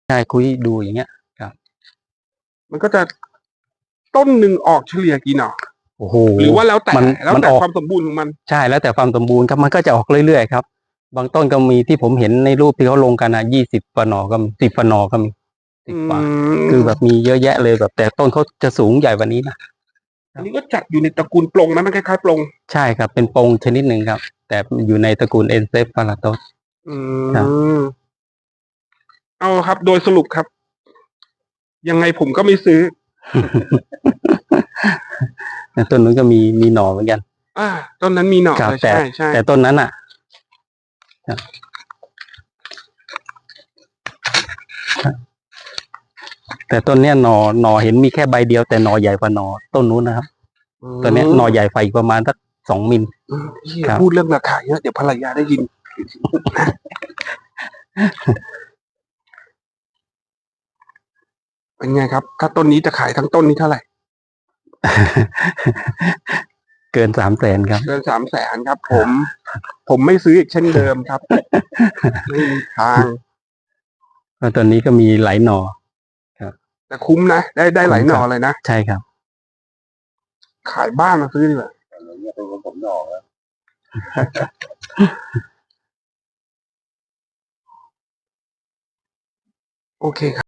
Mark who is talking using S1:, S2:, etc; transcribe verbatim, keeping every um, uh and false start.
S1: ใช่คุยดูอย่างเงี้ยครับ
S2: มันก็จะต้นหนึ่งออกเฉลี่ยกี่หน่อ
S1: โอ้โห
S2: หรือว่าแล้วแต่
S1: มัน
S2: แล้ว
S1: มัน
S2: แต่
S1: ออก
S2: ความสมบูรณ์ของมัน
S1: ใช่แล้วแต่ความสมบูรณ์ครับมันก็จะออกเรื่อยๆครับบางต้นก็มีที่ผมเห็นในรูปที่เขาลงกันอ่ะยี่สิบกว่าหน่อก็มีสิบกว่าหน่อก็มีสิบกว่าคือแบบมีเยอะแยะเลยแบบแต่ต้นเขาจะสูงใหญ่กว่านี้นะ
S2: อันนี้ก็จัดอยู่ในตระกูลปลงนะมันคล้ายๆปลง
S1: ใช่ครับเป็นปงชนิดหนึ่งครับแต่อยู่ในตระกูลเอนเซฟพาราโตส
S2: อื
S1: ครับ
S2: มเอาครับ โดยสรุปครับ ยังไงผมก็ไม่ซื้อ
S1: ต้นนู้นก็มีมีหน่อเหมือนกัน
S2: อ่าต้นนั้นมีหน่อ
S1: ครับ
S2: เลย
S1: แต่
S2: ใช่ใช่
S1: แต่ต้นนั้นอ่ะครับแต่ต้นเนี้ยหน่อหน่อเห็นมีแค่ใบเดียวแต่หน่อใหญ่กว่าหน่อต้นนู้นนะครับตัวเนี้ยหน่อใหญ่ไฟอีกประมาณสักสองมิล
S2: อืมพี่อย่าพูดเรื่องราคาเยอะเดี๋ยวภรรยาได้ยิน เป็นไงครับ ถ้าต้นนี้จะขายทั้งต้นนี้เท่าไหร่
S1: เกินสามแสนครับ
S2: เกินสามแสนครับ ผม ผมไม่ซื้ออีกเช่นเดิมครับ ไม่มีทาง
S1: เพราะตอนนี้ก็มีหลายหน่อครับ
S2: แต่คุ้มนะได้ได้หลายหน่อเลยนะ
S1: ใช่ครับ
S2: ขายบ้านมาซื้อดีกว่าโอเคครับ